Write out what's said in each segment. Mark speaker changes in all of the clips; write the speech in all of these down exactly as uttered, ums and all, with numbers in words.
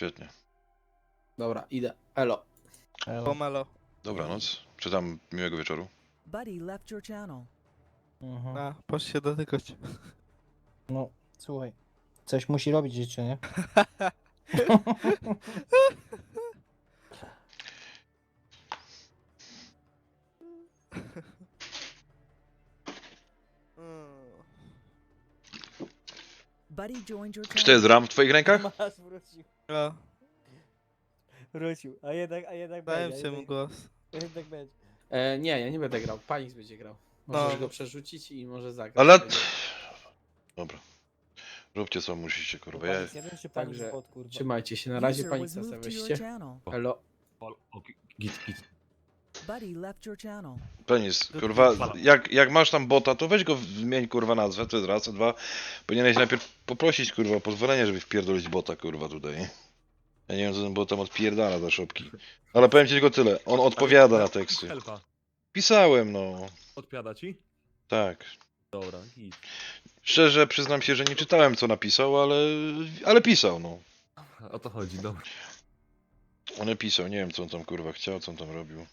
Speaker 1: świetnie.
Speaker 2: Dobra, idę. Elo.
Speaker 3: Pomelo.
Speaker 1: Dobranoc. Czytam miłego wieczoru.
Speaker 4: Buddy left your channel.
Speaker 5: Mhm.
Speaker 3: A, poszedł się dotykać.
Speaker 5: No, słuchaj. Coś musi robić życie, nie?
Speaker 4: Buddy joined your
Speaker 1: Czy to
Speaker 4: channel.
Speaker 1: jest ram w twoich rękach?
Speaker 5: Masz, wrócił.
Speaker 3: A,
Speaker 5: Wrócił. A jednak, a jednak
Speaker 3: dałem
Speaker 5: będzie.
Speaker 3: się
Speaker 5: a
Speaker 3: mu
Speaker 5: jednak,
Speaker 3: głos.
Speaker 5: jednak będzie.
Speaker 2: E, nie, ja nie będę grał. Panix będzie grał. Możesz
Speaker 3: No.
Speaker 2: go przerzucić i może zagrać.
Speaker 1: Ale...
Speaker 2: Będzie.
Speaker 1: Dobra. Róbcie co musicie, kurwa. Ja...
Speaker 5: Panis jeden czy panis
Speaker 2: Także
Speaker 5: bot, kurwa?
Speaker 2: Trzymajcie się, na razie
Speaker 4: User
Speaker 2: Paniksa
Speaker 4: was
Speaker 2: sobie
Speaker 4: moved to your
Speaker 2: weźcie.
Speaker 4: channel.
Speaker 2: Elo.
Speaker 6: Git, git.
Speaker 4: Buddy left your channel.
Speaker 1: Penis, kurwa, jak, jak masz tam bota, to weź go, zmień kurwa nazwę, to jest raz, a dwa. Powinieneś najpierw poprosić kurwa o pozwolenie, żeby wpierdolić bota kurwa tutaj. Ja nie wiem co ten bot tam odpierdala za szopki. Ale powiem ci tylko tyle, on odpowiada na teksty.
Speaker 6: Helpa.
Speaker 1: Pisałem no,
Speaker 6: Odpowiada ci?
Speaker 1: tak.
Speaker 6: Dobra, git.
Speaker 1: Szczerze przyznam się, że nie czytałem co napisał, ale, ale pisał no.
Speaker 6: O to chodzi, dobra.
Speaker 1: On pisał, nie wiem co on tam kurwa chciał, co on tam robił.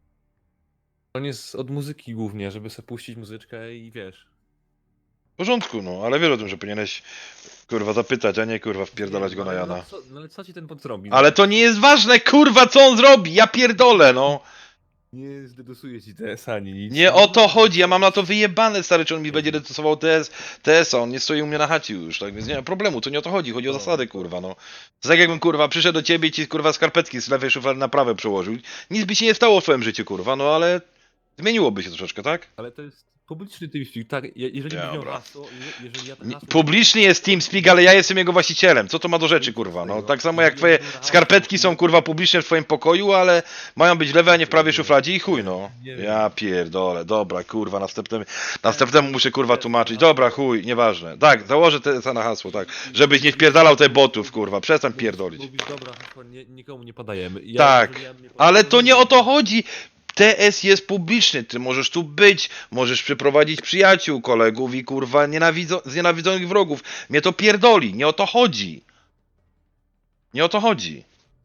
Speaker 6: On jest od muzyki głównie, żeby sobie puścić muzyczkę i wiesz.
Speaker 1: W porządku no, ale wiesz o tym, że powinieneś kurwa zapytać, a nie kurwa wpierdalać
Speaker 6: Nie,
Speaker 1: go na
Speaker 6: ale
Speaker 1: Jana.
Speaker 6: No, co, no ale co ci ten bot zrobi?
Speaker 1: Ale to nie jest ważne kurwa co on zrobi, ja pierdolę no.
Speaker 6: Nie zdedosuje ci T S ani nic.
Speaker 1: Nie o to chodzi, ja mam na to wyjebane stary, czy on mi będzie decydował T S, T S a, on nie stoi u mnie na chacie już, tak więc nie ma problemu, to nie o to chodzi, chodzi o
Speaker 6: No.
Speaker 1: zasady kurwa, no. To tak jakbym kurwa przyszedł do ciebie i ci kurwa skarpetki z lewej szuflady na prawe przełożył, nic by się nie stało w twoim życiu kurwa, no ale zmieniłoby się troszeczkę, tak?
Speaker 6: Ale to jest publiczny TeamSpeak, tak? Je- Jeżeli byś miał
Speaker 1: Dobra.
Speaker 6: hasło, je- jeżeli ja to
Speaker 1: Nie-
Speaker 6: hasło...
Speaker 1: Publiczny jest TeamSpeak, ale ja jestem jego właścicielem, co to ma do rzeczy kurwa, no tak samo jak twoje skarpetki są kurwa publiczne w twoim pokoju, ale mają być w lewej, a nie w prawej szufladzie i chuj no. Ja pierdolę, dobra kurwa, następnym, następnemu muszę kurwa tłumaczyć, dobra chuj, nieważne. Tak, założę T S a na hasło, tak, żebyś nie wpierdalał te botów kurwa, przestań pierdolić.
Speaker 6: Mówisz, dobra, hasło nie, nikomu nie podajemy. Ja,
Speaker 1: Tak,
Speaker 6: jeżeli ja mnie podam,
Speaker 1: ale to nie o to chodzi. T S jest publiczny, ty możesz tu być, możesz przyprowadzić przyjaciół, kolegów i kurwa nienawidzo znienawidzonych wrogów. Mnie to pierdoli, nie o to chodzi. Nie o to chodzi.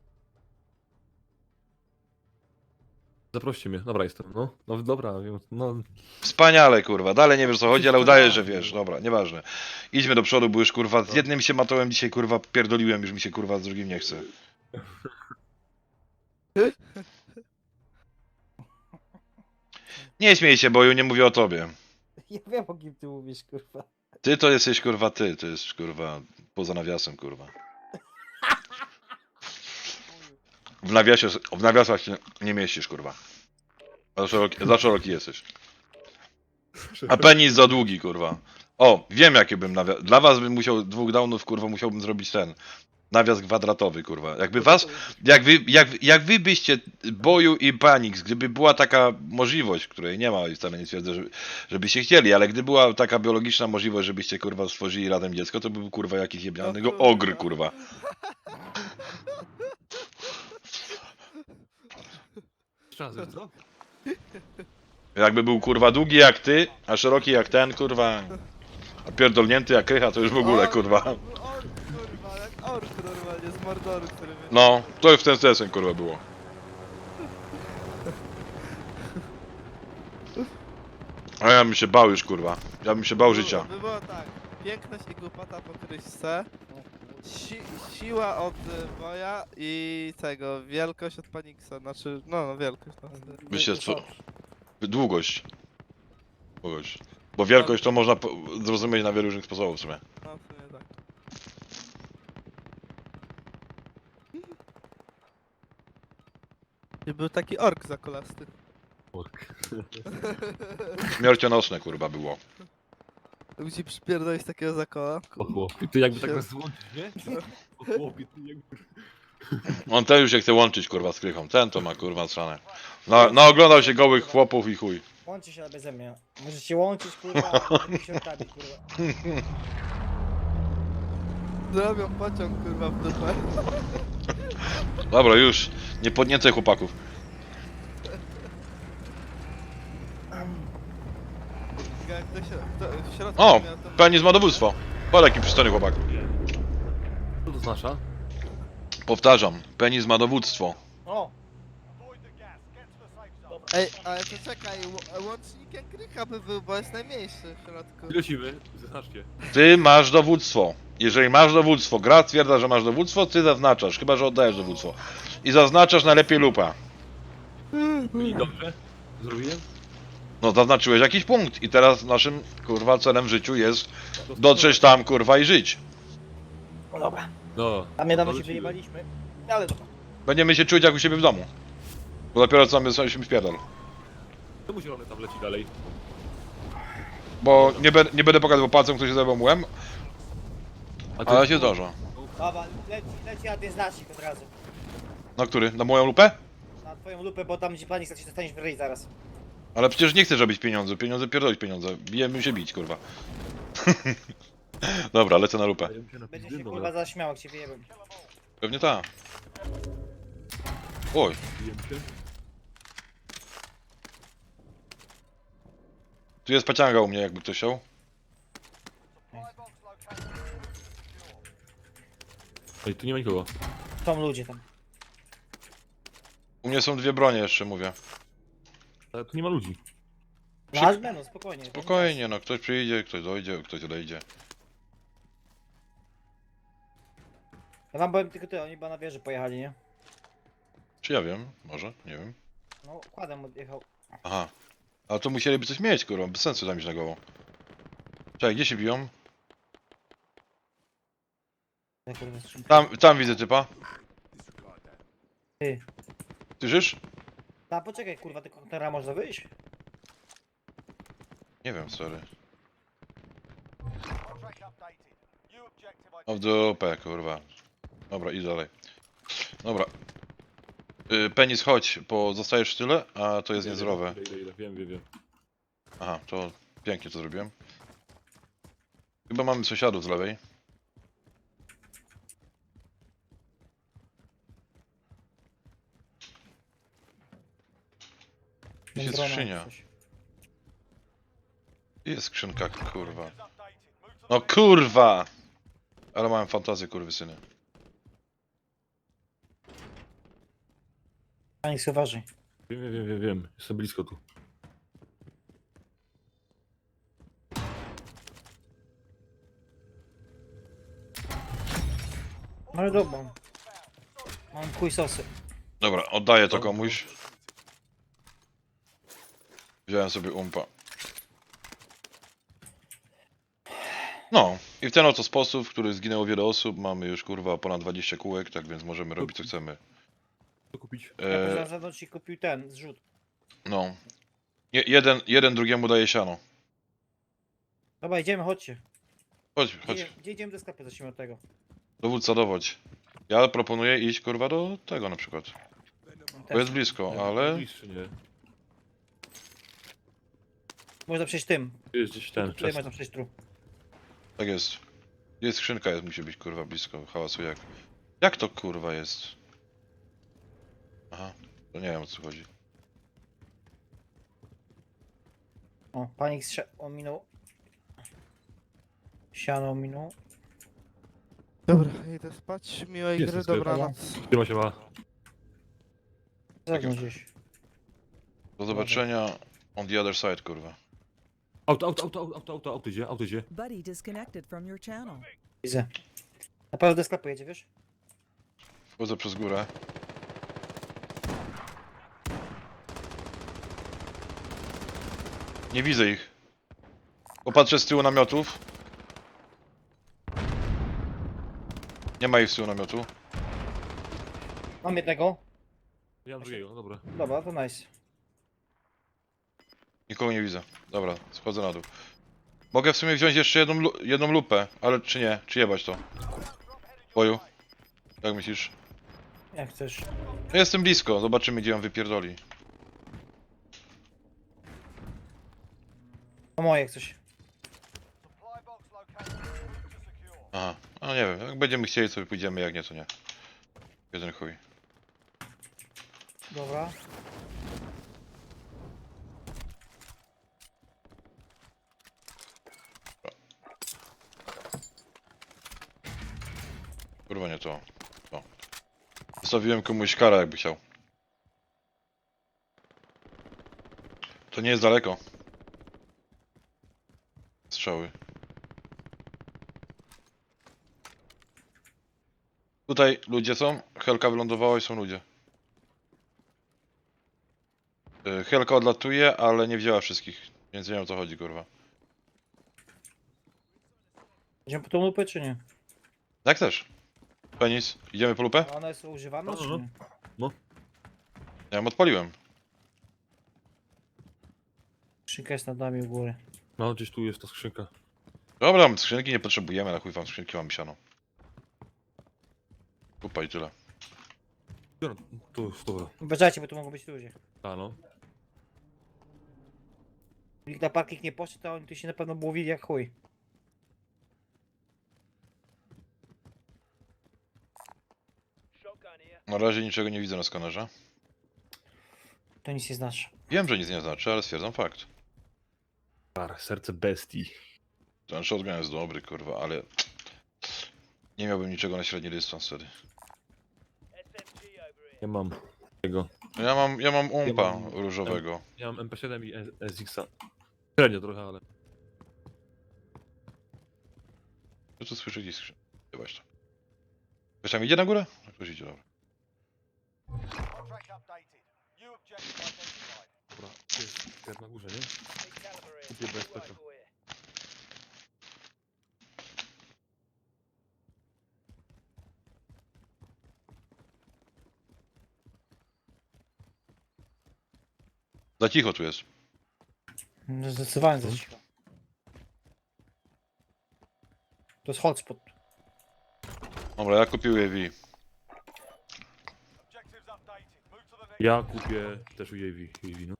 Speaker 6: Zaproście mnie, dobra jestem, no. No dobra, no.
Speaker 1: Wspaniale kurwa, dalej nie wiesz o co chodzi, ale udajesz, że wiesz, dobra, nieważne. Idźmy do przodu, bo już kurwa z jednym się matołem dzisiaj kurwa pierdoliłem, już mi się kurwa z drugim nie chce. Nie śmiej się, bo ja nie mówię o tobie.
Speaker 5: Ja wiem, o kim ty mówisz, kurwa.
Speaker 1: Ty to jesteś kurwa ty, to jest kurwa poza nawiasem kurwa. W nawiasie, w nawiasach się nie mieścisz kurwa. Za szeroki, za szeroki jesteś. A penis za długi kurwa. O, wiem jaki bym nawias. Dla was bym musiał dwóch downów kurwa musiałbym zrobić ten. Nawias kwadratowy kurwa. Jakby was, jak wy, jak, jak wy byście Boju i Panix, gdyby była taka możliwość, której nie ma i wcale nie twierdzę, żeby, żebyście chcieli, ale gdy była taka biologiczna możliwość, żebyście kurwa stworzyli razem dziecko, to by był kurwa jakiś jebnianego ogr kurwa.
Speaker 6: Jeszcze raz, co?
Speaker 1: Jakby był kurwa długi jak ty, a szeroki jak ten kurwa, a pierdolnięty jak krycha, to już w ogóle kurwa.
Speaker 3: Ork, kurwa, jak ork normalnie z Mordoru, który... wy-
Speaker 1: No, to już w ten sesem kurwa było. A ja bym się bał już kurwa. Ja bym się bał życia.
Speaker 3: By było tak, piękność i głupota po kryśce, si siła od y, Boja i tego, wielkość od Paniksa, znaczy, no, no wielkość. No.
Speaker 1: Wiecie co? Długość. Długość. Bo wielkość to można po- zrozumieć na wielu różnych sposobów w sumie.
Speaker 3: No, w sumie tak. I był taki ork zakolasty.
Speaker 6: Ork.
Speaker 1: Śmiercionośne kurwa było.
Speaker 3: Mógł ci przypierdolić takiego zakola.
Speaker 6: O chłopie, ty jakby tak nas złączyć, nie? O chłopie, ty jakby...
Speaker 1: On ten już się chce łączyć kurwa z krychą. Ten to ma kurwa strzane. Na, naoglądał się gołych chłopów i chuj.
Speaker 5: Łączy się beze mnie. Możesz się łączyć, kurwa, a środkami, kurwa.
Speaker 3: Zrobią pociąg kurwa w dupę.
Speaker 1: Dobra już. Nie podniecaj chłopaków.
Speaker 3: Jak to się, to w środku
Speaker 1: O!
Speaker 3: miał to...
Speaker 1: Penis ma dowództwo. Patrz jaki przystojny chłopak.
Speaker 6: Co to znaczy?
Speaker 1: Powtarzam, penis ma dowództwo.
Speaker 5: O!
Speaker 3: Ej, ale to czekaj, ł- łącznikiem Krycha by był, bo jest najmniejszy w środku.
Speaker 6: Ile siły? Zaznaczcie.
Speaker 1: Ty masz dowództwo. Jeżeli masz dowództwo, gra stwierdza, że masz dowództwo, ty zaznaczasz, chyba że oddajesz dowództwo. I zaznaczasz najlepiej lupa.
Speaker 6: I dobrze? Zrobiłem?
Speaker 1: No zaznaczyłeś jakiś punkt i teraz naszym kurwa celem w życiu jest dotrzeć tam kurwa i żyć.
Speaker 5: No dobra.
Speaker 6: No.
Speaker 5: A my dawno
Speaker 6: to
Speaker 5: się
Speaker 6: lecimy.
Speaker 5: wyjebaliśmy. Ale dobra.
Speaker 1: Będziemy się czuć jak u siebie w domu. Bo dopiero co my sobie wpierdol.
Speaker 6: Czemu zielony tam leci dalej?
Speaker 1: Bo nie, be, nie będę pokazywał palcem, kto się zajmował mułem,
Speaker 6: A
Speaker 1: ale się zdarza.
Speaker 5: Dobra, leci, leci na ten znacznik od razu.
Speaker 1: Na który? Na moją lupę?
Speaker 5: Na twoją lupę, bo tam gdzie pani chce się dostaniesz w ryj zaraz.
Speaker 1: Ale przecież nie chcę robić pieniądze, pieniądze pierdolić pieniądze. Bijemy się bić, kurwa. Dobra, lecę na lupę.
Speaker 6: Daję się na
Speaker 5: Będzie
Speaker 6: pizdy,
Speaker 5: się
Speaker 6: dobra.
Speaker 5: kurwa zaśmiał, jak cię wyjebem.
Speaker 1: Pewnie ta. Oj,
Speaker 6: Bijemy się.
Speaker 1: tu jest pacianga u mnie, jakby ktoś chciał.
Speaker 6: Ej, tu nie ma nikogo.
Speaker 5: Są ludzie tam.
Speaker 1: U mnie są dwie bronie jeszcze, mówię.
Speaker 6: Ale tu nie ma ludzi.
Speaker 5: No aż będą, spokojnie.
Speaker 1: Spokojnie, no ktoś przyjdzie, ktoś dojdzie, ktoś odejdzie.
Speaker 5: Ja wam powiem tylko tyle, oni chyba na wieży pojechali, nie?
Speaker 1: Czy ja wiem? Może? Nie wiem.
Speaker 5: No, kładem odjechał.
Speaker 1: Aha. Ale to musieliby coś mieć, kurwa, bez sensu tam iść na głową. Czekaj, gdzie się biją?
Speaker 5: Ja kurwa skrzynkę.
Speaker 1: Tam, tam widzę typa.
Speaker 5: Ty.
Speaker 1: Słyszysz?
Speaker 5: A poczekaj kurwa, tylko kontenera można wyjść?
Speaker 1: Nie wiem, sorry. O w dupę, kurwa. Dobra, idź dalej. Dobra. Y, Penis, chodź, bo zostajesz w tyle, a to jest niezdrowe.
Speaker 6: Ile, ile, ile, wiem, wiem, wiem.
Speaker 1: Aha, to pięknie to zrobiłem. Chyba mamy sąsiadów z lewej. Gdzie jest
Speaker 5: Drona
Speaker 1: skrzynia?
Speaker 5: coś.
Speaker 1: Gdzie jest skrzynka, kurwa? No kurwa! Ale mam fantazję, kurwysyny.
Speaker 5: A niech sobie uważaj.
Speaker 6: Wiem, wiem, wiem, wiem, wiem. Jestem blisko tu.
Speaker 5: No ale dobra. Mam chuj sosy.
Speaker 1: Dobra, oddaję to komuś. Wziąłem sobie umpa. No, i w ten oto sposób, w który zginęło wiele osób, mamy już kurwa ponad dwadzieścia kółek, tak więc możemy robić co chcemy.
Speaker 6: Co kupić?
Speaker 5: Ja
Speaker 1: E,
Speaker 5: za zewnątrz ci kupił ten, zrzut.
Speaker 1: no. Je, jeden, jeden drugiemu daje siano.
Speaker 5: Dobra, idziemy, chodźcie.
Speaker 1: Chodź,
Speaker 5: Gdzie,
Speaker 1: chodź.
Speaker 5: idziemy- gdzie idziemy do sklepu, zacznijmy od tego.
Speaker 1: Dowódca, dowodź. Ja proponuję iść kurwa do tego na przykład. Bo
Speaker 5: Też.
Speaker 1: jest blisko,
Speaker 6: Nie,
Speaker 1: ale...
Speaker 6: Bliższy, nie.
Speaker 5: Można przejść tym.
Speaker 6: Tu jest gdzieś ten,
Speaker 5: Tutaj
Speaker 6: czas.
Speaker 5: można przejść tu.
Speaker 1: Tak jest. Jest skrzynka, jest, musi być kurwa blisko. Hałasu jak. Jak to kurwa jest? Aha, to nie wiem o co chodzi.
Speaker 5: O, panik strze... ominął. Siano ominął.
Speaker 3: Dobra, idę spać, miłej
Speaker 6: Jest
Speaker 3: gry,
Speaker 6: sklep.
Speaker 3: dobranoc.
Speaker 6: Siema, siema.
Speaker 5: Zewnątrz gdzieś.
Speaker 1: Do zobaczenia on the other side, kurwa.
Speaker 6: Auto, auto, auto, auto, auto, auto idzie, auto idzie.
Speaker 4: Buddy disconnected from your channel.
Speaker 5: Widzę. Na pewno do sklepu jedzie, wiesz?
Speaker 1: Wchodzę przez górę. Nie widzę ich. Popatrzę z tyłu namiotów. Nie ma ich z tyłu namiotu.
Speaker 5: Mam jednego.
Speaker 6: Ja mam drugiego, dobra.
Speaker 5: Dobra, to nice.
Speaker 1: Nikogo nie widzę. Dobra, schodzę na dół. Mogę w sumie wziąć jeszcze jedną, lu jedną lupę, ale czy nie? Czy jebać to? Boju? Jak myślisz?
Speaker 5: Jak chcesz.
Speaker 1: No jestem blisko, zobaczymy gdzie on wypierdoli.
Speaker 5: No moje jak coś.
Speaker 1: Aha, no nie wiem, jak będziemy chcieli sobie pójdziemy, jak nie to nie. Jeden chuj.
Speaker 5: Dobra.
Speaker 1: Kurwa nie to. To. Zostawiłem komuś karę, jakby chciał. To nie jest daleko. Strzały. Tutaj ludzie są. Helka wylądowała i są ludzie. Y, Helka odlatuje, ale nie wzięła wszystkich. Więc nie wiem o co chodzi, kurwa.
Speaker 5: Idziemy po tą lupę, czy nie?
Speaker 1: Jak też. Penis, idziemy po lupę?
Speaker 5: A ona jest używana,
Speaker 6: No,
Speaker 5: czy
Speaker 6: no.
Speaker 5: nie?
Speaker 1: Ja ją odpaliłem.
Speaker 5: Skrzynka jest nad nami u góry.
Speaker 6: No, gdzieś tu jest ta skrzynka.
Speaker 1: Dobra, skrzynki nie potrzebujemy, na chuj wam skrzynki mam siano. Kupa i tyle.
Speaker 6: No, tu jest, dobra.
Speaker 5: Uważajcie, bo tu mogą być ludzie.
Speaker 6: A no.
Speaker 5: Nikt na parking nie poszedł, a oni tu się na pewno błowili jak chuj.
Speaker 1: Na razie niczego nie widzę na skanerze.
Speaker 5: To nic nie znaczy.
Speaker 1: Wiem, że nic nie znaczy, ale stwierdzam fakt.
Speaker 6: Par, serce bestii.
Speaker 1: Ten shotgun jest dobry, kurwa, ale... Nie miałbym niczego na średni dystans wtedy.
Speaker 6: Ja mam tego.
Speaker 1: Ja mam, ja mam umpa
Speaker 6: Ja mam-
Speaker 1: różowego.
Speaker 6: Ja mam M P siedem i S X-a. Średnio trochę, ale...
Speaker 1: Co tu słyszę gdzieś skrzyn? Chyba to. Ktoś tam idzie na górę? No, ktoś idzie, dobra.
Speaker 6: Dobra, tu jest sklep na górze, nie? Kupię B S P.
Speaker 1: Za cicho tu jest.
Speaker 5: No, zdecydowanie za cicho. To jest hotspot.
Speaker 1: Dobra, ja kupiłem V.
Speaker 6: Ja kupię też u U A V, U A V, no.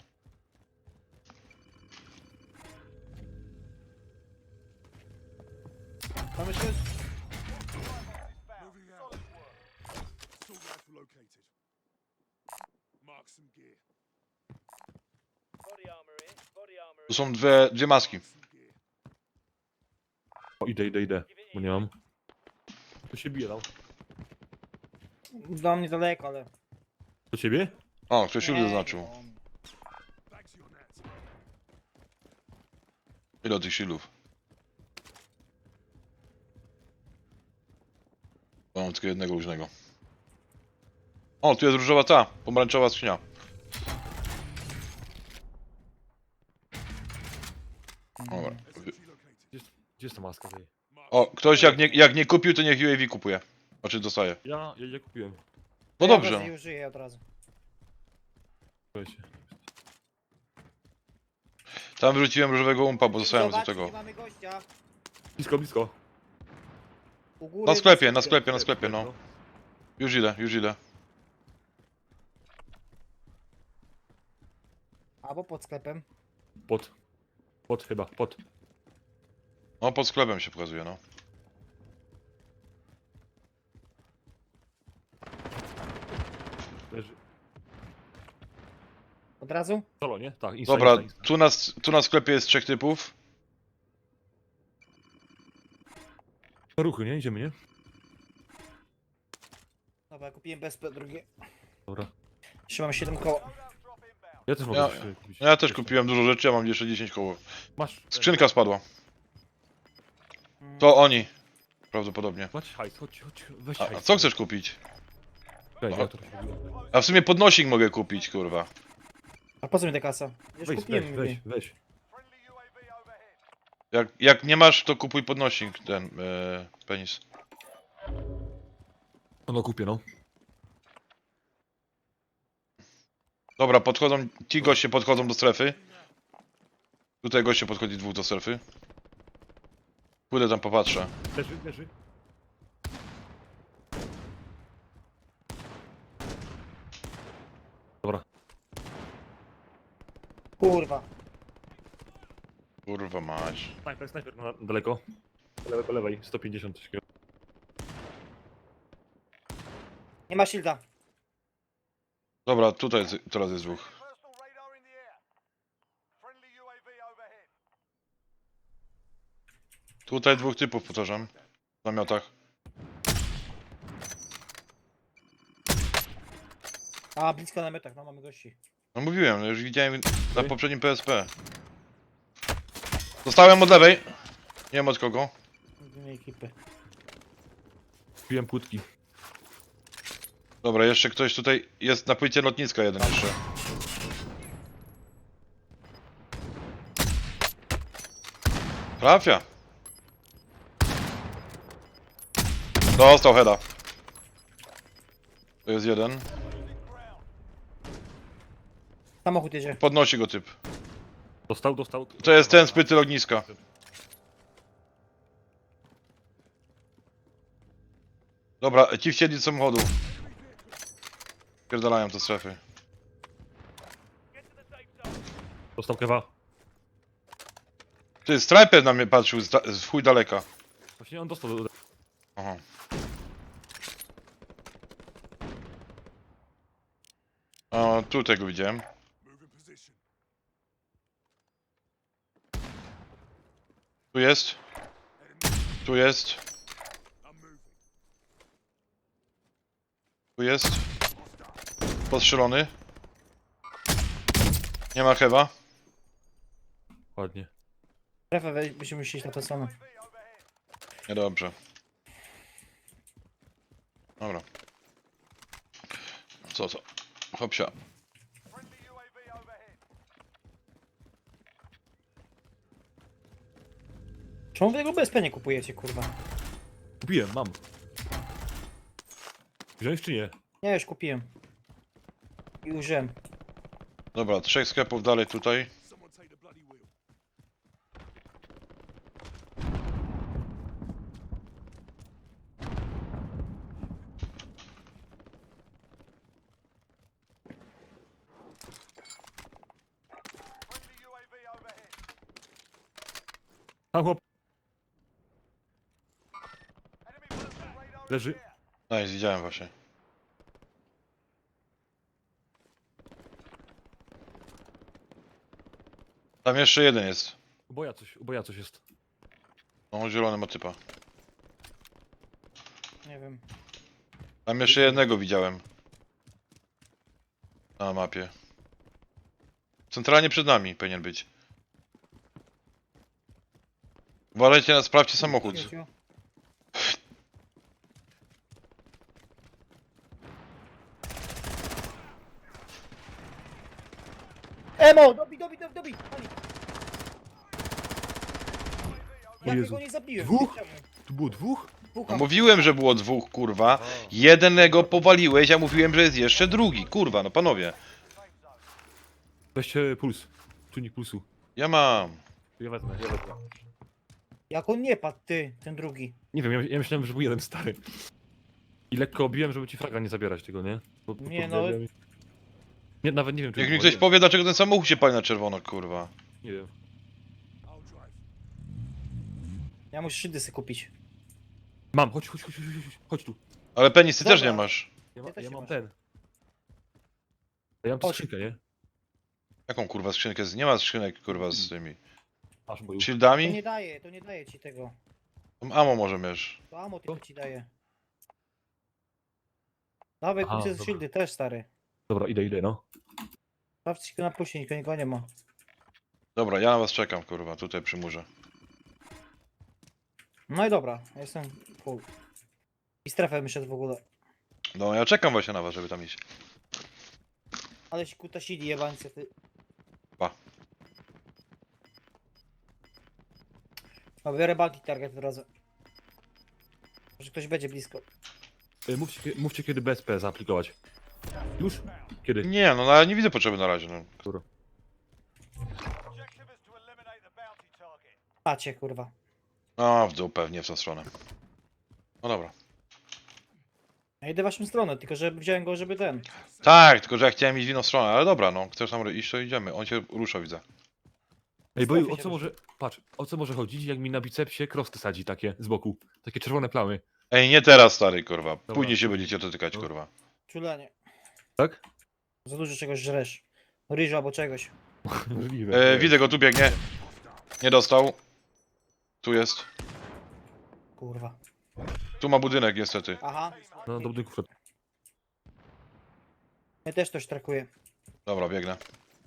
Speaker 5: Mamy się...
Speaker 7: Moving out. Assault rifle located. Mark some gear.
Speaker 1: Tu są dwie, dwie maski.
Speaker 7: Some gear.
Speaker 6: O, idę, idę, idę, bo nie mam. To się bije tam.
Speaker 5: Dla mnie daleko, ale...
Speaker 6: Do ciebie?
Speaker 1: O, ktoś już
Speaker 5: Nie,
Speaker 1: zaznaczył.
Speaker 5: no.
Speaker 7: Bags your net.
Speaker 1: Ile tych shieldów? Mam tylko jednego luźnego. O, tu jest różowa ta, pomarańczowa skrzynia. Dobra.
Speaker 7: S M G located.
Speaker 6: Gdzie jest ta maska tej?
Speaker 7: Mark
Speaker 1: O, ktoś jak nie, jak nie kupił, to niech U A V kupuje. Znaczy dostaje.
Speaker 6: Ja, ja, ja kupiłem.
Speaker 1: No
Speaker 5: Ja
Speaker 1: dobrze.
Speaker 5: wezmę i użyję od razu.
Speaker 6: Słuchajcie.
Speaker 1: Tam wyrzuciłem różowego umpa, bo zostałem do
Speaker 5: Zobacz,
Speaker 1: tego.
Speaker 5: nie mamy gościa.
Speaker 6: Blisko, blisko.
Speaker 5: U góry...
Speaker 1: Na sklepie, na sklepie, na sklepie, no. Już idę, już idę.
Speaker 5: Albo pod sklepem.
Speaker 6: Pod. Pod chyba, pod.
Speaker 1: No, pod sklepem się pokazuje, no.
Speaker 6: Leży.
Speaker 5: Od razu?
Speaker 6: Solo, nie? Tak, insta,
Speaker 1: Dobra,
Speaker 6: insta, insta.
Speaker 1: tu na, tu na sklepie jest trzech typów.
Speaker 6: Na ruchy, nie? Idziemy, nie?
Speaker 5: Dobra, kupiłem B S P drugie.
Speaker 6: Dobra.
Speaker 5: Jeszcze mam siedem koła.
Speaker 6: Ja też mogę
Speaker 1: Ja-
Speaker 6: coś sobie kupić.
Speaker 1: Ja też kupiłem dużo rzeczy, ja mam jeszcze dziesięć koło.
Speaker 6: Masz.
Speaker 1: Skrzynka spadła.
Speaker 5: Mm.
Speaker 1: To oni. Prawdopodobnie.
Speaker 6: Macie hajs, chodź, chodź, weź
Speaker 1: A, a
Speaker 6: hajs.
Speaker 1: co chcesz kupić?
Speaker 6: Czekaj, ja to robiłem.
Speaker 1: A w sumie podnosik mogę kupić, kurwa.
Speaker 5: A po co mi ta kasa? Już
Speaker 6: Weź,
Speaker 5: kupiłem.
Speaker 6: weź,
Speaker 5: mówię.
Speaker 6: weź, weź.
Speaker 1: Jak, jak nie masz, to kupuj podnosik, ten e, penis.
Speaker 6: No, no kupię, no.
Speaker 1: Dobra, podchodzą, ci goście podchodzą do strefy. Tutaj goście podchodzi dwóch do strefy. Pójdę tam popatrzę.
Speaker 6: Leży, leży. Dobra.
Speaker 5: Kurwa.
Speaker 1: Kurwa mać.
Speaker 6: Snajper, snajper, na, daleko. Po lewej, po lewej, sto pięćdziesiąt coś takiego.
Speaker 5: Nie ma shielda.
Speaker 1: Dobra, tutaj jest, teraz jest dwóch. Tutaj dwóch typów, powtarzam. W namiotach.
Speaker 5: A, blisko na metach, no mamy gości.
Speaker 1: No mówiłem, no już widziałem na poprzednim P S P. Dostałem od lewej. Nie wiem od kogo.
Speaker 5: Z innej ekipy.
Speaker 6: Piłem płytki.
Speaker 1: Dobra, jeszcze ktoś tutaj jest na płycie lotniska jeden jeszcze. Trafia. Dostał heada. To jest jeden.
Speaker 5: Samochód jedzie.
Speaker 1: Podnosi go typ.
Speaker 6: Dostał, dostał.
Speaker 1: To jest ten z płyty lotniska. Dobra, ci wsiedli z samochodu. Pierdalają te strefy.
Speaker 6: Dostał kewa.
Speaker 1: Ty, Striper na mnie patrzył z, da- z chuj daleka.
Speaker 6: Właśnie on dostał.
Speaker 1: Aha. O, tu tego widziałem.
Speaker 7: Move in position.
Speaker 1: Tu jest. Tu jest.
Speaker 7: I'm moving.
Speaker 1: Tu jest. Postrzelony. Nie ma hewa.
Speaker 6: Ładnie.
Speaker 5: Strefę weź, musimy iść na tę stronę.
Speaker 1: Niedobrze. Dobra. Co to? Hopsia.
Speaker 5: Czemu wy tego B S P nie kupujecie, kurwa?
Speaker 6: Kupiłem, mam. Wziąłeś czy nie?
Speaker 5: Ja już kupiłem. I użyłem.
Speaker 1: Dobra, trzech sklepów dalej tutaj.
Speaker 7: Someone take the bloody wheel.
Speaker 6: Tam chłop. Leży.
Speaker 1: Nice, widziałem właśnie. Tam jeszcze jeden jest.
Speaker 6: Uboja coś, uboja coś jest.
Speaker 1: No, zielony ma typa.
Speaker 5: Nie wiem.
Speaker 1: Tam jeszcze jednego widziałem. Na mapie. Centralnie przed nami powinien być. Uważajcie, na- sprawdźcie samochód.
Speaker 5: Ciu, ciu. Emo! Dobi, dobi, dobi, dobi! Pani.
Speaker 6: O
Speaker 5: Ja
Speaker 6: Jezu.
Speaker 5: tego nie zabiłem.
Speaker 6: Dwóch?
Speaker 5: Czemu?
Speaker 6: Tu było dwóch?
Speaker 5: Dwóch
Speaker 1: No
Speaker 5: mam.
Speaker 1: mówiłem, że było dwóch, kurwa. Jednego powaliłeś, a mówiłem, że jest jeszcze drugi. Kurwa, no panowie.
Speaker 6: Weźcie puls. Czujnik pulsu.
Speaker 1: Ja mam.
Speaker 6: Ja wezmę, ja wezmę.
Speaker 5: Jak on nie padł, ty, ten drugi.
Speaker 6: Nie wiem, ja, ja myślałem, że był jeden stary. I lekko obiłem, żeby ci fraga nie zabierać tego, nie? Bo, bo
Speaker 5: Nie,
Speaker 6: to-
Speaker 5: no.
Speaker 6: Nie, nawet nie wiem, czy...
Speaker 1: Niech mi
Speaker 6: było,
Speaker 1: ktoś
Speaker 6: nie,
Speaker 1: powie, dlaczego ten samochód się pali na czerwono, kurwa.
Speaker 6: nie wiem.
Speaker 7: I'll drive.
Speaker 5: Ja muszę szydy sobie kupić.
Speaker 6: Mam, chodź, chodź, chodź, chodź, chodź, chodź tu.
Speaker 1: Ale Penis, ty też
Speaker 5: Dobra.
Speaker 1: nie masz.
Speaker 6: Ja, ma,
Speaker 5: też
Speaker 6: ja
Speaker 5: nie
Speaker 6: mam
Speaker 5: masz.
Speaker 6: ten. Ja mam tu
Speaker 5: Chodź.
Speaker 6: skrzynkę, nie?
Speaker 1: Jaką kurwa skrzynkę? z- Nie ma skrzynek, kurwa, z tymi.
Speaker 6: Masz, bo
Speaker 5: To
Speaker 1: Shieldami?
Speaker 5: nie daje, to nie daje ci tego.
Speaker 1: Tam ammo może miesz.
Speaker 5: To amo tylko ci daje. Dawaj,
Speaker 6: Aha,
Speaker 5: kupcie
Speaker 6: dobra.
Speaker 5: shieldy też, stary.
Speaker 6: Dobra, idę, idę, no.
Speaker 5: Sprawdźcie go na puście, nikogo nikogo nie ma.
Speaker 1: Dobra, ja na was czekam, kurwa, tutaj przy murze.
Speaker 5: No i dobra, ja jestem full. I strefę wyszedł w ogóle.
Speaker 1: No, ja czekam właśnie na was, żeby tam iść.
Speaker 5: Ale się kutasili jebańce, ty.
Speaker 1: Pa.
Speaker 5: No, biorę bulky target od razu. Może ktoś będzie blisko.
Speaker 6: Y, Mówcie, kie- mówcie kiedy B S P zaaplikować. Już? Kiedy?
Speaker 1: Nie, no, no ja nie widzę potrzeby na razie, no.
Speaker 6: Dobra.
Speaker 5: Pacie, kurwa.
Speaker 1: A, w dół pewnie w tą stronę. No dobra.
Speaker 5: Ja idę w waszą stronę, tylko że wziąłem go, żeby ten.
Speaker 1: Tak, tylko że ja chciałem iść w inną stronę, ale dobra, no. Chcesz tam iść, to idziemy. On się rusza, widzę.
Speaker 6: Ej, bo
Speaker 5: Strefy
Speaker 6: o
Speaker 5: się
Speaker 6: co może... Patrz, o co może chodzić, jak mi na bicepsie krosty sadzi takie z boku. Takie czerwone plamy.
Speaker 1: Ej, nie teraz, stary, kurwa. Później się będziecie dotykać,
Speaker 6: No.
Speaker 1: kurwa.
Speaker 5: Czulenie.
Speaker 6: Tak?
Speaker 5: Za dużo czegoś żresz. Ryżu albo czegoś.
Speaker 6: Możliwe.
Speaker 1: E, widzę go, tu biegnie. Nie dostał. Tu jest.
Speaker 5: Kurwa.
Speaker 1: Tu ma budynek, niestety.
Speaker 5: Aha.
Speaker 6: No, do budynku wszedł.
Speaker 5: Ja też coś trakuję.
Speaker 1: Dobra, biegnę.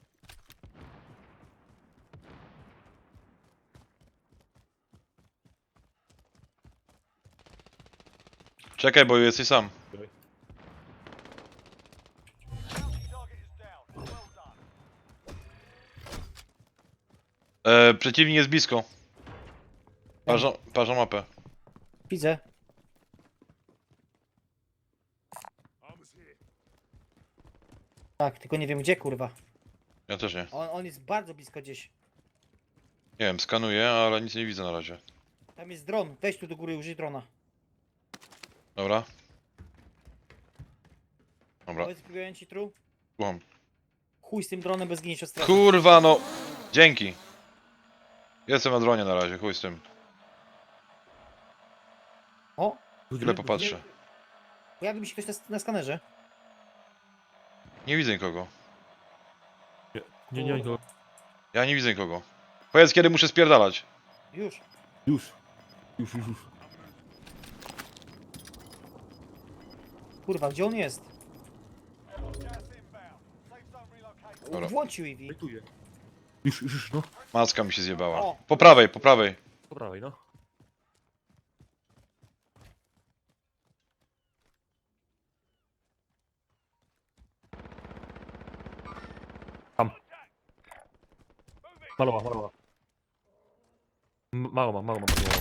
Speaker 1: Czekaj, bo jesteś sam. E, przeciwnik jest blisko. Parzą, parzą mapę.
Speaker 5: Widzę.
Speaker 7: Armor's here.
Speaker 5: Tak, tylko nie wiem gdzie kurwa.
Speaker 1: Ja też nie.
Speaker 5: On, on jest bardzo blisko gdzieś.
Speaker 1: Nie wiem, skanuję, ale nic nie widzę na razie.
Speaker 5: Tam jest dron. Weź tu do góry, użyj drona.
Speaker 1: Dobra. Dobra,
Speaker 5: Powiedz ci tru.
Speaker 1: słucham.
Speaker 5: Chuj z tym dronem bez ginieć od strefy.
Speaker 1: Kurwa no! Dzięki. Jestem na dronie na razie, chuj z tym.
Speaker 5: O!
Speaker 1: Chwilę popatrzę.
Speaker 5: Pojawi mi się ktoś na, na skanerze.
Speaker 1: Nie widzę nikogo.
Speaker 6: Nie, nie, nie.
Speaker 1: Ja nie widzę nikogo. Powiedz kiedy muszę spierdalać.
Speaker 5: Już.
Speaker 6: Już. Już, już, już.
Speaker 5: Kurwa, gdzie on jest?
Speaker 1: Dobra.
Speaker 5: Włączył Eevee.
Speaker 6: Wejtuję. Już, już, już, no.
Speaker 1: Maska mi się zjebała.
Speaker 5: O.
Speaker 1: Po prawej, po prawej.
Speaker 6: Po prawej, no. Tam. Malowa, malowa. M- Mało mam, mało mam. Mało.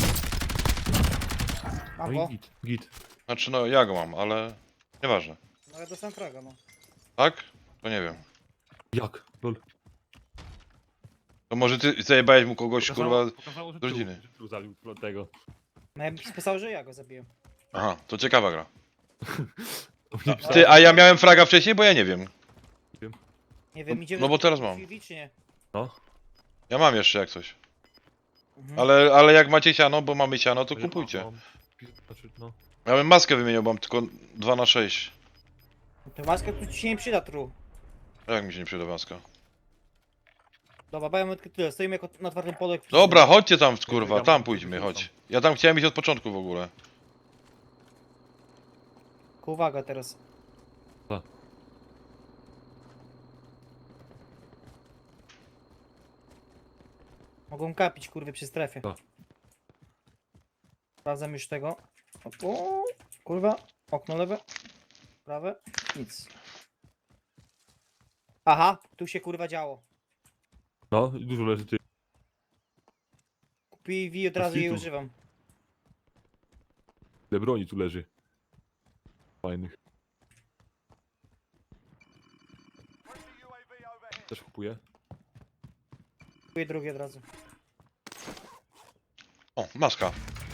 Speaker 5: Mam
Speaker 6: No
Speaker 5: go.
Speaker 6: i git, git.
Speaker 1: Znaczy no ja go mam, ale nieważne.
Speaker 5: No ja dostałem fraga, no.
Speaker 1: Tak? To nie wiem.
Speaker 6: Jak? Lol.
Speaker 1: To może ty zajebałeś mu kogoś kurwa.
Speaker 6: pokazało, że
Speaker 1: z rodziny.
Speaker 6: Tu, że tu zabił do tego.
Speaker 5: No ja bym pisał, że ja go zabiję.
Speaker 1: Aha, to ciekawa gra.
Speaker 6: To mnie
Speaker 1: A,
Speaker 6: pisało.
Speaker 1: ty, a ja miałem fraga wcześniej, bo ja nie wiem.
Speaker 5: Nie wiem, idziemy...
Speaker 1: no bo teraz mam.
Speaker 5: Eevee, czy nie?
Speaker 6: No.
Speaker 1: Ja mam jeszcze jak coś.
Speaker 5: Mhm.
Speaker 1: Ale, ale jak macie siano, bo mamy siano, to
Speaker 6: Ja
Speaker 1: kupujcie.
Speaker 6: mam- Znaczy, no.
Speaker 1: Ja bym maskę wymieniał, bo mam tylko dwa na sześć.
Speaker 5: To maska tu ci się nie przyda, tru.
Speaker 1: A jak mi się nie przyda maska?
Speaker 5: Dobra, bo ja mam tylko tyle. Stoimy jako na twardym polu. jak
Speaker 1: Dobra, chodźcie tam kurwa,
Speaker 6: Ja
Speaker 1: tam
Speaker 6: mam-
Speaker 1: pójdźmy, chodź. Ja tam chciałem iść od początku w ogóle.
Speaker 5: Tylko uwaga teraz.
Speaker 6: Co?
Speaker 5: Mogą kapić kurwy przy strefie.
Speaker 6: Co?
Speaker 5: Sprawdzam już tego. O, kurwa. Okno lewe. Prawe. Nic. Aha, tu się kurwa działo.
Speaker 6: No, dużo leży ty.
Speaker 5: Kupię Eevee, od razu jej
Speaker 6: Hitu.
Speaker 5: używam.
Speaker 6: Ile broni tu leży. Fajnych. Też kupuję.
Speaker 5: Kupuję drugie od razu.
Speaker 1: O, maska.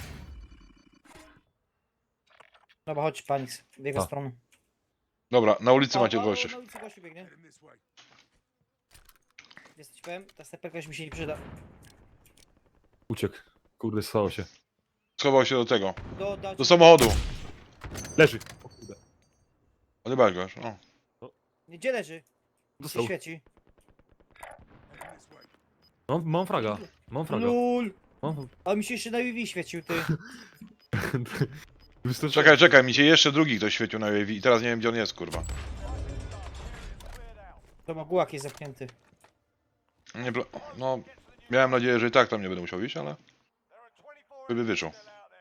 Speaker 5: Dobra, chodź Panix, w jego
Speaker 6: A.
Speaker 5: stronę.
Speaker 1: Dobra, na ulicy
Speaker 5: O,
Speaker 1: macie
Speaker 5: o,
Speaker 1: gości.
Speaker 5: Na ulicy gościu biegnie.
Speaker 7: Heading this way.
Speaker 5: Jesteś powiem, ta steperka już mi się nie przyda.
Speaker 6: Uciekł. Kurde, stało się.
Speaker 1: Schował się do tego.
Speaker 5: Do, do,
Speaker 1: Do samochodu.
Speaker 6: Leży. O kurde.
Speaker 1: Odjebałeś go już. O.
Speaker 5: Nie, gdzie leży? Się
Speaker 6: Dostał.
Speaker 5: świeci.
Speaker 7: Heading this way.
Speaker 6: Mam, mam fraga. Mam fraga.
Speaker 5: Lul!
Speaker 6: Mam...
Speaker 5: A mi się jeszcze na Eevee świecił, ty.
Speaker 6: Wystarczy...
Speaker 1: Czekaj, czekaj, mi się jeszcze drugi ktoś świecił na U A V i teraz nie wiem gdzie on jest, kurwa.
Speaker 5: To ma gułak jest zamknięty.
Speaker 1: Nie, pla- no, miałem nadzieję, że i tak tam nie będę musiał iść, ale... By wyczuł.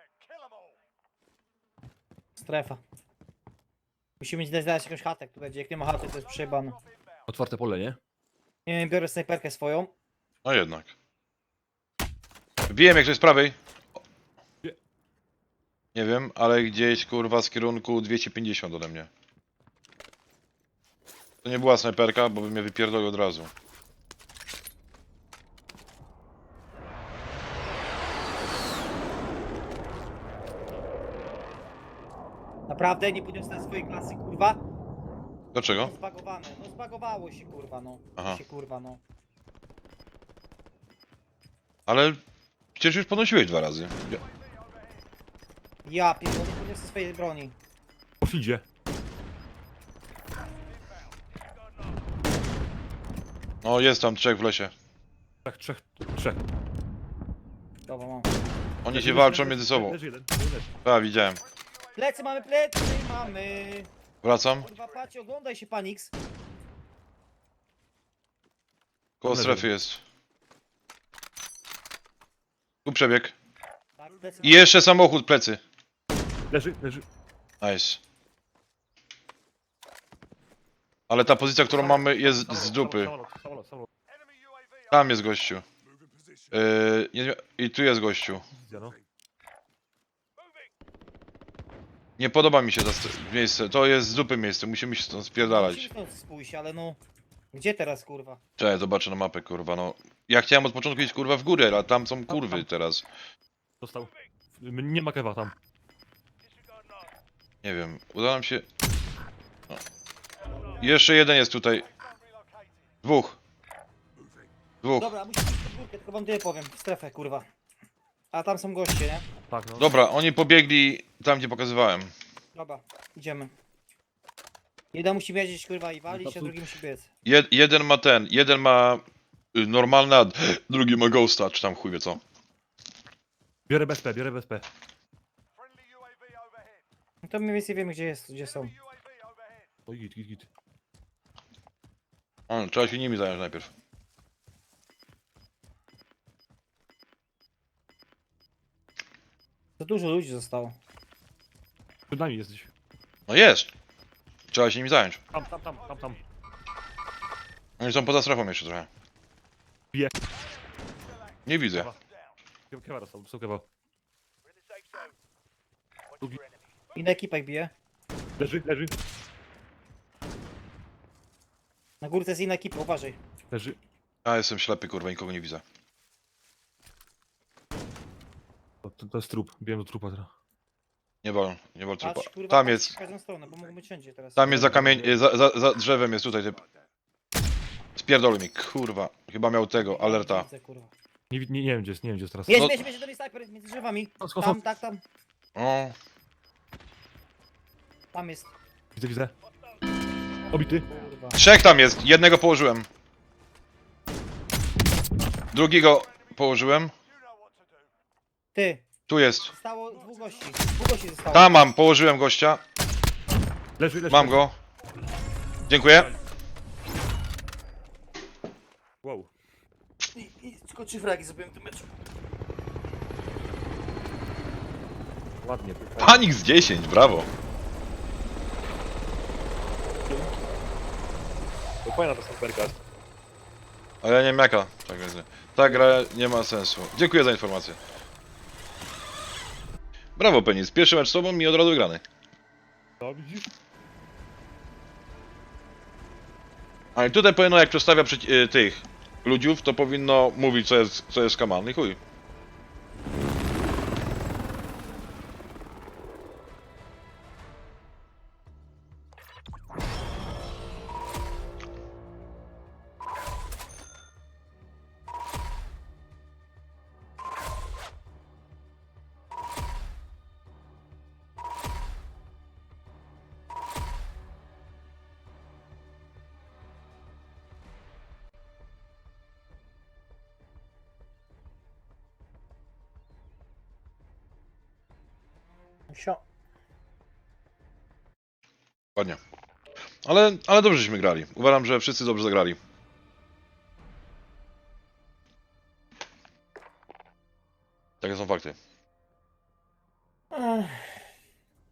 Speaker 5: Strefa. Musimy gdzieś znaleźć jakąś chatę, tu będzie. Jak nie ma chaty, to jest przejebane.
Speaker 6: Otwarte pole, nie?
Speaker 5: Nie wiem, biorę snajperkę swoją.
Speaker 1: No jednak. Wiem jak to jest z prawej.
Speaker 6: Gdzie?
Speaker 1: Nie wiem, ale gdzieś kurwa z kierunku dwieście pięćdziesiąt ode mnie. To nie była snajperka, bo by mnie wypierdolił od razu.
Speaker 5: Naprawdę nie podniosę swojej klasy, kurwa.
Speaker 1: Dlaczego?
Speaker 5: No zbagowane, no zbagowało się, kurwa, no.
Speaker 1: Aha.
Speaker 5: Się, kurwa, no.
Speaker 1: Ale przecież już podnosiłeś dwa razy. Ja-
Speaker 5: Ja pierdolę, nie podniosę swojej broni.
Speaker 6: Poszlidzie.
Speaker 1: No jest tam trzech w lesie.
Speaker 6: Tak, trzech. Trzech.
Speaker 5: Dobra, mam.
Speaker 1: Oni
Speaker 6: Leży
Speaker 1: się
Speaker 6: jeden,
Speaker 1: walczą
Speaker 6: leży
Speaker 1: między
Speaker 6: jeden,
Speaker 1: sobą.
Speaker 6: Leży jeden. leży.
Speaker 1: A, widziałem.
Speaker 5: Plecy mamy, plecy mamy.
Speaker 1: Wracam.
Speaker 5: Kurwa, patrz, oglądaj się, Panix.
Speaker 1: Koło
Speaker 6: Leży.
Speaker 1: strefy jest. Tu przebieg.
Speaker 5: Tak, plecy.
Speaker 1: I jeszcze samochód, plecy.
Speaker 6: Leży, leży.
Speaker 1: Nice. Ale ta pozycja, którą mamy jest z
Speaker 6: Samolot,
Speaker 1: dupy.
Speaker 6: Samolot, samolot, samolot.
Speaker 1: Tam jest gościu.
Speaker 7: Moving position.
Speaker 1: Yy, nie, I tu jest gościu.
Speaker 6: Widzę, no.
Speaker 1: Nie podoba mi się to st- miejsce. To jest z dupy miejsce. Musimy się stąd spierdalać.
Speaker 5: Musimy stąd spójść, ale no... Gdzie teraz, kurwa?
Speaker 1: Cześć, zobaczę na mapę, kurwa, no. Ja chciałem od początku iść, kurwa, w górę, ale tam są kurwy teraz.
Speaker 6: Dostał. Nie ma kewa tam.
Speaker 1: Nie wiem, uda nam się... No. Jeszcze jeden jest tutaj. Dwóch. Dwóch.
Speaker 5: Dobra, musimy iść pod górkę, tylko wam tyle powiem. W strefę, kurwa. A tam są goście, nie?
Speaker 6: Tak, no.
Speaker 1: Dobra, oni pobiegli tam, gdzie pokazywałem.
Speaker 5: Dobra, idziemy. Jeden musi wiedzieć, kurwa, i walić,
Speaker 6: No
Speaker 5: a
Speaker 6: to-
Speaker 5: drugi musi biec.
Speaker 1: Jed jeden ma ten, jeden ma y, normalny, a drugi ma ghosta, czy tam chuj wie co.
Speaker 6: Biorę B S P, biorę B S P.
Speaker 5: No to mniej więcej wiemy, gdzie jest, gdzie są.
Speaker 6: Oj, git, git, git.
Speaker 1: A, trzeba się nimi zająć najpierw.
Speaker 5: Za dużo ludzi zostało.
Speaker 6: Przed nami jesteś.
Speaker 1: No jest! Trzeba się nimi zająć.
Speaker 6: Tam, tam, tam, tam, tam.
Speaker 1: Oni są poza strefą jeszcze trochę.
Speaker 6: Bije.
Speaker 1: Nie widzę.
Speaker 6: Kewa- Kewa dostał, dostał kewa.
Speaker 5: Inna ekipa ich bije.
Speaker 6: Leży, leży,
Speaker 5: Na górce jest inna ekipa, uważaj.
Speaker 6: leży.
Speaker 1: Ja jestem ślepy, kurwa, nikogo nie widzę.
Speaker 6: To, to, to jest trup, biłem do trupa teraz.
Speaker 1: Nie wal, nie wal trupa.
Speaker 5: Patrz, kurwa,
Speaker 1: Tam
Speaker 5: patrz
Speaker 1: jest,
Speaker 5: w każdą stronę, bo mogą być wszędzie teraz.
Speaker 1: tam jest za kamień, y, za, za, za drzewem jest tutaj typ. Spierdol mi, kurwa. Chyba miał tego, alerta.
Speaker 5: Widzę, kurwa.
Speaker 6: Nie, wi- nie, nie wiem gdzie jest, nie wiem gdzie jest teraz.
Speaker 5: Jest,
Speaker 1: No-
Speaker 5: jest, jest, do mnie snajper między drzewami.
Speaker 6: Skąd, skąd,
Speaker 5: Tam,
Speaker 6: skąd?
Speaker 5: tak, tam.
Speaker 1: O,
Speaker 5: Tam jest.
Speaker 6: Widzę, widzę. Obity.
Speaker 5: Kurwa.
Speaker 1: trzech tam jest, jednego położyłem. Drugiego położyłem.
Speaker 5: Ty,
Speaker 1: Tu jest.
Speaker 5: zostało dwóch gości. Dwóch gości zostało.
Speaker 1: Tam mam, położyłem gościa.
Speaker 6: Leży, leży.
Speaker 1: Mam go. Dziękuję.
Speaker 6: Wow.
Speaker 5: I, i tylko trzy fragi zrobiłem w tym meczu.
Speaker 6: Ładnie.
Speaker 1: Panik z dziesięć, brawo.
Speaker 6: To fajna ta snajperka.
Speaker 1: Ale ja nie wiem jaka. Tak więc ta gra nie ma sensu. Dziękuję za informację. Brawo, Penis. Pierwszy mecz z tobą i od razu grany.
Speaker 6: No widzisz?
Speaker 1: Ale tutaj powinno, jak przedstawia przeci- y, tych ludziów, to powinno mówić, co jest, co jest kaman. I chuj.
Speaker 5: Sio.
Speaker 1: Ładnie. Ale, ale dobrze żeśmy grali. Uważam, że wszyscy dobrze zagrali. Takie są fakty.
Speaker 5: Ech.